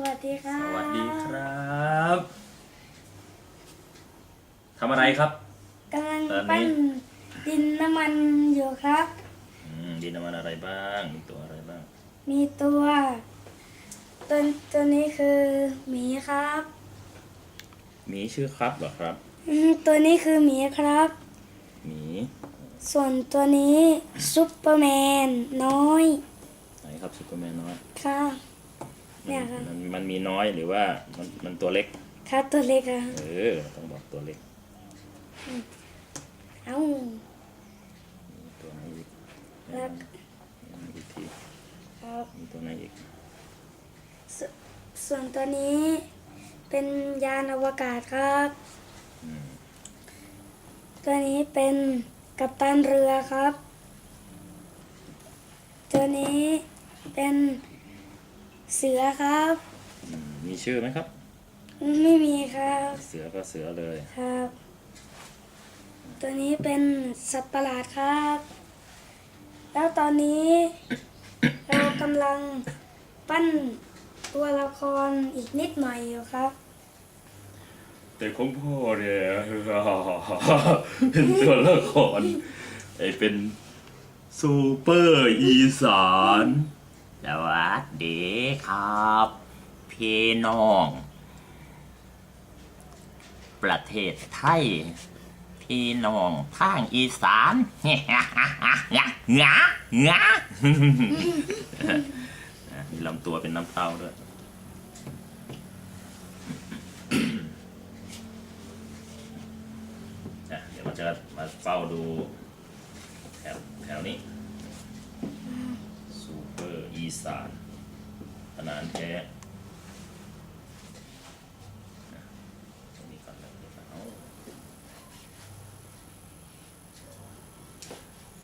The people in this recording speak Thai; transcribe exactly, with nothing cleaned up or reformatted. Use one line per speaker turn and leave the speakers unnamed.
วัสดีครั
ส
บ
วัสดีครับทำอะไรครับ
กำลัง
ตอนนี้
ปั้นดินน้ำมันอยู่ครับ
อืมดินน้ำมันอะไรบ้างมีตัวอะไรบ้าง
มีตัวตัวตัวนี้คือหมีครับ
มีชื่อครับเหรอครับ
อืมตัวนี้คือหมีครับ
หมี
ส่วนตัวนี้ซุปเปอร์แมนน้อย
ไหนครับซูเปอร์แมนน้อย
ครับ
มั
เนี่ยครับ
มันมันมีน้อยหรือว่ามันมันตัวเล็ก
ครับตัวเล็กครับ
เออต้องบอกตัวเล็ก
เอ้า
มีตัวไหนอีก
แล้ว
มีอีกที
ครับ
มีตัวไหนอีก
สส่วนตัวนี้เป็นยานอวกาศครับ
อืม
ตัวนี้เป็นกัปตันเรือครับ ตัวนี้เป็นเสือครับ
อืมมีชื่อไหมครับ
ไม่มีครับ
เสือก็เสือเลย
ครับ ตัวนี้เป็นสัตว์ประหลาดครับ แล้วตอนนี้ เรากำลังปั้นตัวละครอีกนิดหน่อยอยู่ครับ
แต่ของพ่อเนี่ย เป็นตัวละครไอเป็นซูเปอร์อีสานสวัสดีครับพี่น้อง ประเทศไทย พี่น้องทางอีสานงะงะงะงะมีลำตัวเป็นน้ำเต้าด้วย อ่ะเดี๋ยวเราจะมาเฝ้าดูแถวแถวนี้ซูเปอร์อีสานขนาดแท้